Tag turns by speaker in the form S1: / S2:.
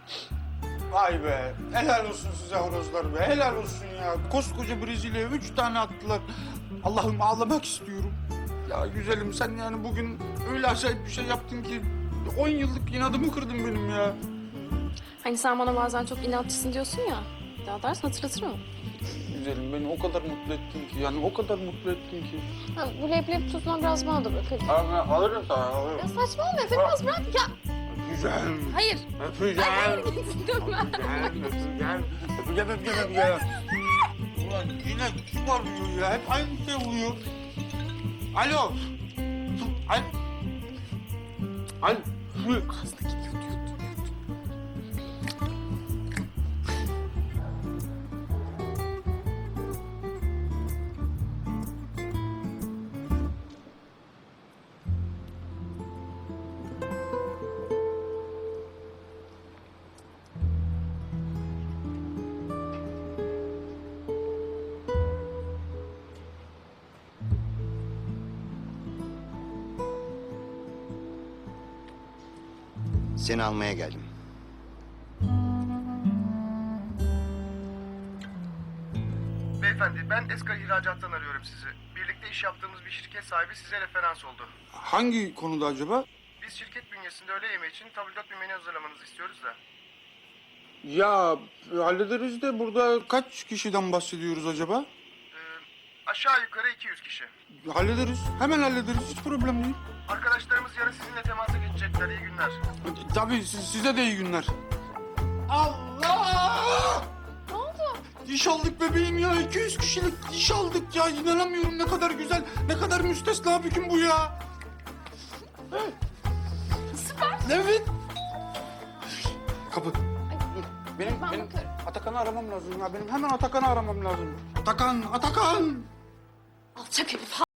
S1: Vay be, helal olsun size horozlar be, helal olsun ya. Koskoca Brezilya'ya 3 tane attılar. Allah'ım ağlamak istiyorum. Ya güzelim sen yani bugün öyle acayip bir şey yaptın ki 10 yıllık inadımı kırdın benim ya.
S2: Hani sen bana bazen çok inatçısın diyorsun ya. Daha dersin hatırlatırım.
S1: Güzelim beni o kadar mutlu ettin ki yani o kadar mutlu ettin ki.
S2: Ha, bu leblebi tuzuna biraz bana da bırak hadi.
S1: Alırım sana
S2: Ya
S1: alırım.
S2: saçmalama Efe biraz bırak ya.
S1: Güzel.
S2: Hayır.
S1: Öpeceğim.
S2: Hayır gitsin dönme.
S1: Öpeceğim. Ulan yine kim arıyor ya? Hep aynı şey oluyor. Alo. Alo.
S3: Seni almaya geldim.
S4: Beyefendi, ben Eskal İhracat'tan arıyorum sizi. Birlikte iş yaptığımız bir şirket sahibi size referans oldu.
S1: Hangi konuda acaba?
S4: Biz şirket bünyesinde öğle yemeği için tabldot bir menü hazırlamanızı istiyoruz da.
S1: Ya hallederiz de burada kaç kişiden bahsediyoruz acaba?
S4: Aşağı yukarı 200 kişi.
S1: Hallederiz. Hemen hallederiz. Hiç problem değil.
S4: Arkadaşlarımız yarın sizinle temasa geçecekler. İyi günler.
S1: Tabii size de iyi günler. Allah!
S2: Ne oldu?
S1: İş aldık bebeğim ya. 200 kişilik iş aldık ya. İnanamıyorum ne kadar güzel, ne kadar müstesna bir gün bu ya.
S2: Süper.
S1: Evet. Kapı. Dur. Benim
S2: Ben bakarım.
S1: Atakan'ı aramam lazım ya. Benim hemen Atakan'ı aramam lazım. Atakan.
S2: Alçak herif.